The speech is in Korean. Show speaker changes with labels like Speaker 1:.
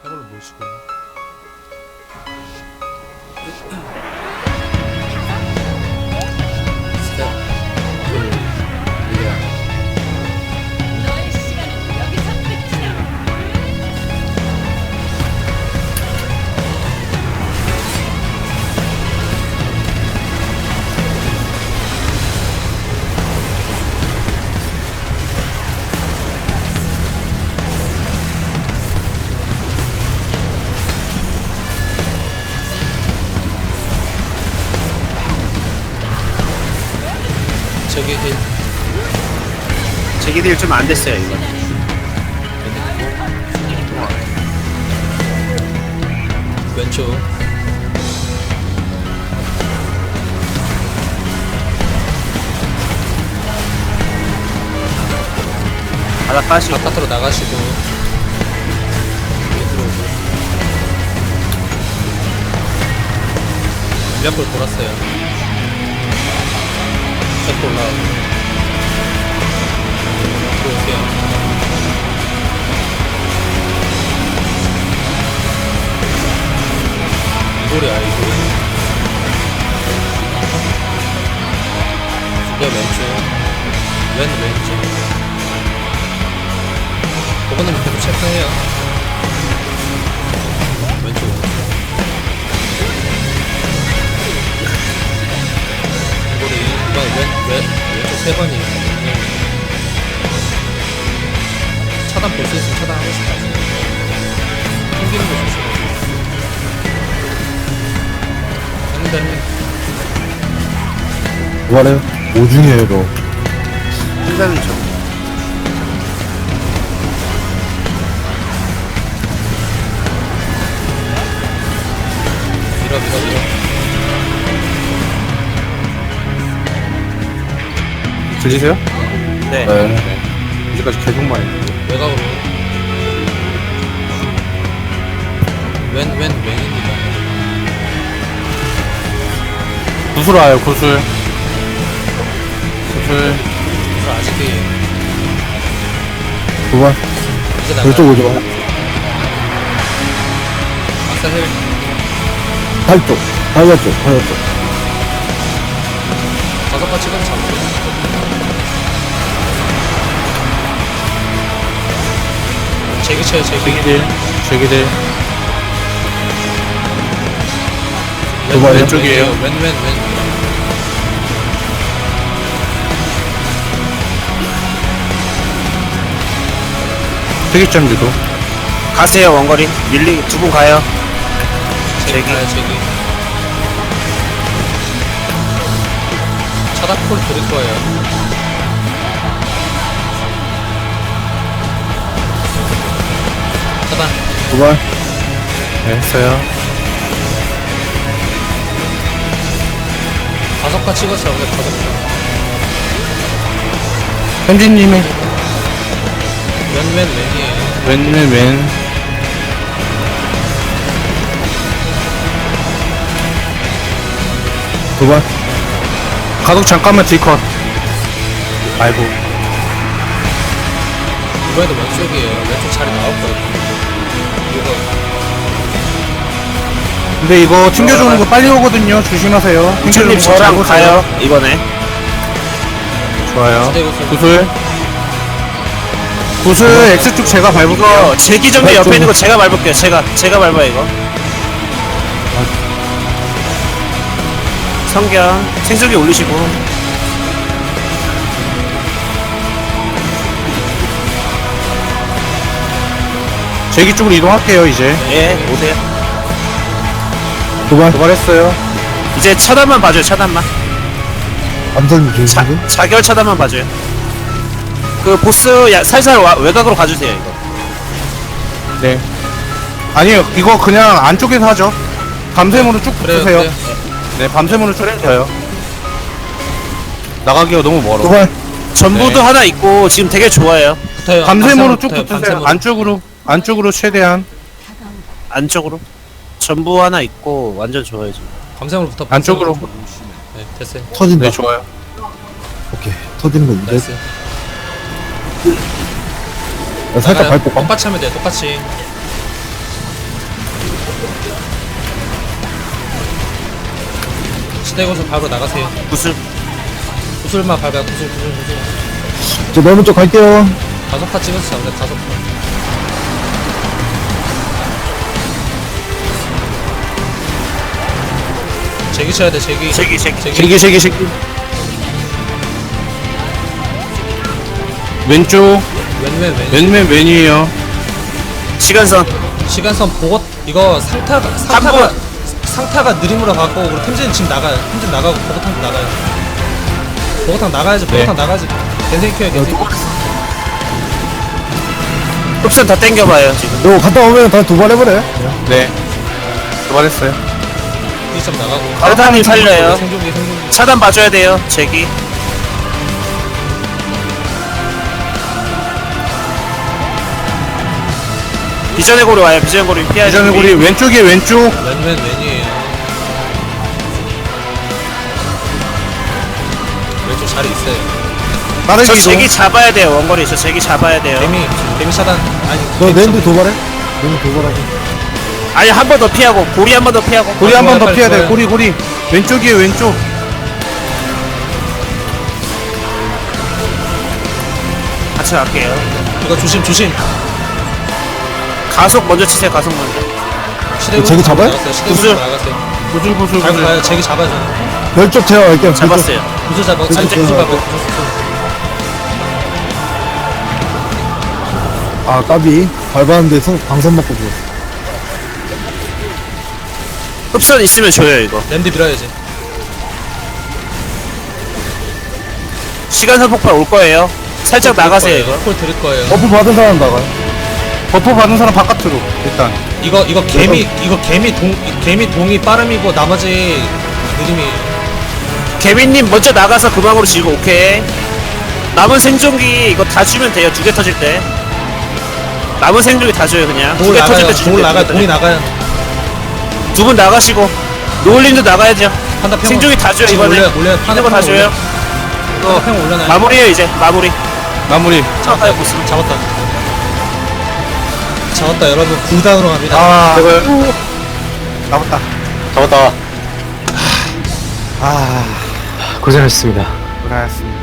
Speaker 1: 해골로 모시고.
Speaker 2: 너의 시간은 여기서 끝이야.
Speaker 1: 저기 힐.
Speaker 3: 제기딜 좀 안 됐어요 이거.
Speaker 1: 왼쪽.
Speaker 3: 바닥 빠지고.
Speaker 1: 바깥으로 나가시고. 여기 들어오고. 몇 번 돌았어요. 셔터 올라가고. 들어오세요. 이골이야 이골. 야 왼쪽. 왼쪽. 그거는 계속 체크해요. 왼쪽. 이골이 이번 왼쪽 세 번이에요. 차단 볼 수 있으면 차단하고 싶다. 튕기는 거 조심해. 했는데
Speaker 4: 뭐래요? 오중에로
Speaker 3: 한다는 점.
Speaker 1: 밀어.
Speaker 4: 들리세요?
Speaker 3: 네.
Speaker 4: 네. 이제까지 계속 말했는데.
Speaker 1: 외곽으로. 왼입니다.
Speaker 4: 구슬 와요, 구슬. 구슬.
Speaker 1: 그래서 아직이
Speaker 4: 9번.
Speaker 1: 이제 나가요.
Speaker 4: 왼쪽 오죠.
Speaker 1: 아싸 헬.
Speaker 4: 팔쪽. 팔쪽.
Speaker 1: 다섯 번 찍어서 잡고. 제기 쳐요, 제기.
Speaker 4: 제기들.
Speaker 1: 왼,
Speaker 4: 번
Speaker 1: 왼,
Speaker 4: 왼쪽이에요.
Speaker 1: 왼.
Speaker 4: 세기점 유도.
Speaker 3: 가세요 원거리. 밀리 두 분 가요.
Speaker 1: 제기
Speaker 3: 제기.
Speaker 1: 가요, 제기. 차단콜 드릴 거예요. 차단.
Speaker 4: 9번. 네, 했어요.
Speaker 1: 다섯 번 찍어서 잡으면 다섯 번.
Speaker 4: 현진님이
Speaker 1: 왼이에요.
Speaker 4: 왼. 9번. 가독 잠깐만 딜컷. 아이고.
Speaker 1: 이번에도 왼쪽이에요. 왼쪽 자리 나왔거든요. 이거
Speaker 4: 근데 이거 튕겨주는 거 빨리 오거든요. 조심하세요.
Speaker 3: 우천님
Speaker 4: 튕겨주는 거
Speaker 3: 저랑
Speaker 4: 잘
Speaker 3: 가요
Speaker 4: 보세요.
Speaker 3: 이번에.
Speaker 4: 좋아요.
Speaker 1: 시대구슬.
Speaker 4: 구슬 X축 제가 밟을게요.
Speaker 3: 이거 제기점대 옆에 있는 거 제가 밟을게요. 제가 밟아요 이거. 성견 생석이 올리시고.
Speaker 4: 제기 쪽으로 이동할게요, 이제.
Speaker 3: 예 오세요.
Speaker 4: 도발했어요.
Speaker 3: 이제 차단만 봐줘요. 차단만.
Speaker 4: 암살님
Speaker 3: 자결 차단만 봐줘요. 그 보스 살살 외곽으로 가주세요 이거.
Speaker 4: 네. 아니요, 이거 그냥 안쪽에서 하죠. 밤샘으로 쭉
Speaker 1: 그래요,
Speaker 4: 붙으세요.
Speaker 1: 그래요.
Speaker 4: 네, 밤샘으로 쭉 해줘요. 나가기가 너무 멀어.
Speaker 3: 전부도
Speaker 4: 네.
Speaker 3: 하나 있고 지금 되게 좋아요.
Speaker 1: 붙어요.
Speaker 4: 밤샘으로 쭉
Speaker 1: 붙어요,
Speaker 4: 붙으세요.
Speaker 1: 밤샘으로.
Speaker 4: 안쪽으로 최대한.
Speaker 3: 안쪽으로. 전부 하나 있고 완전 좋아요 지금.
Speaker 1: 밤샘으로 붙어.
Speaker 4: 안쪽으로.
Speaker 1: 네, 됐어요.
Speaker 4: 터진다. 네, 좋아요. 오케이. 터지는 건데.
Speaker 1: 나이스.
Speaker 4: 살짝
Speaker 1: 나가요.
Speaker 4: 밟고 가.
Speaker 1: 똑같이 하면 돼요. 똑같이. 시대고서 바로 나가세요.
Speaker 3: 구슬.
Speaker 1: 구슬만 밟아. 구슬.
Speaker 5: 저 넓은 쪽 갈게요.
Speaker 1: 5파 찍어서 잡자. 5파. 제기 쳐야 돼. 제기.
Speaker 3: 제기.
Speaker 4: 세기. 왼쪽,
Speaker 1: 왼.
Speaker 4: 왼이에요.
Speaker 3: 시간선.
Speaker 1: 시간선 보고 이거 상타가 느림으로 갖고 그리고 템진 지금 나가요. 템진 나가고 보고탕도 나가요. 보고탕 나가야지. 보고탕 나가야지. 겐생 키워야 겐생.
Speaker 3: 흡선 다 땡겨봐요 지금.
Speaker 5: 이거 갔다 오면 다시 도발 해버려요.
Speaker 4: 네. 도발했어요.
Speaker 1: 이점 나가고.
Speaker 3: 아르타님 살려요.
Speaker 1: 생존기.
Speaker 3: 차단 봐줘야 돼요. 제기. 비전의 고리 와요. 비전의 고리 피해야
Speaker 4: 이전에 우리 왼쪽에 왼쪽.
Speaker 1: 왼이에요. 왼쪽 자리 있어요.
Speaker 4: 빠른
Speaker 3: 저
Speaker 4: 기동.
Speaker 3: 제기 잡아야 돼요. 원거리 저 제기 잡아야 돼요.
Speaker 1: 데미 차단. 아니.
Speaker 5: 너
Speaker 1: 데미
Speaker 5: 랜드
Speaker 1: 차단.
Speaker 5: 도발해? 랜드 도발하고.
Speaker 3: 아니 한 번 더 피하고 고리 한 번 더 피하고.
Speaker 4: 고리 한 번 더
Speaker 1: 빨리
Speaker 4: 피해야 돼.
Speaker 1: 좋아요.
Speaker 4: 고리. 왼쪽이에요, 왼쪽.
Speaker 3: 같이 갈게요.
Speaker 1: 이거 조심.
Speaker 3: 가속 먼저 치세요. 가속 먼저.
Speaker 1: 시대고
Speaker 5: 제기 잡아요?
Speaker 1: 시대고
Speaker 3: 구슬.
Speaker 1: 나가세요.
Speaker 4: 구슬.
Speaker 1: 갈고 가요. 제기 잡아줘.
Speaker 5: 별쪽 제가 갈게요. 별쪽.
Speaker 3: 잡았어요.
Speaker 1: 구슬 잡아.
Speaker 5: 구슬
Speaker 1: 구슬
Speaker 5: 잡아.
Speaker 1: 잡아.
Speaker 5: 아, 까비. 밟았는데 방선 맞고 죽었어.
Speaker 3: 흡선 있으면 줘요 이거.
Speaker 1: 랜드 밀어야지.
Speaker 3: 시간선 폭발 올 거예요. 살짝 나가세요 이거.
Speaker 1: 콜 드릴 거예요.
Speaker 5: 버프 받은 사람 나가요.
Speaker 4: 버프 받은 사람 바깥으로. 일단.
Speaker 1: 이거 개미 동이 빠름이고 나머지 느림이.
Speaker 3: 개빈님 먼저 나가서 금방으로 지고 오케이. 남은 생존기 이거 다 주면 돼요. 2개 터질 때. 남은 생존기 다 줘요 그냥. 2개 터질 때 주면 돼요.
Speaker 1: 동이 나가요.
Speaker 3: 두 분 나가시고 노을님도 나가야죠.
Speaker 1: 판다 평.
Speaker 3: 생존기 다 줘요 이번에.
Speaker 1: 올려.
Speaker 3: 있는 거다 줘요.
Speaker 1: 판다 평 올려놔요.
Speaker 3: 마무리해요 이제. 마무리.
Speaker 4: 마무리.
Speaker 3: 잡아요 보스.
Speaker 1: 잡았다 여러분. 9단으로 갑니다.
Speaker 4: 아, 잡았다.
Speaker 6: 잡았다.
Speaker 5: 아.
Speaker 6: 고생하셨습니다.
Speaker 4: 고생하셨습니다.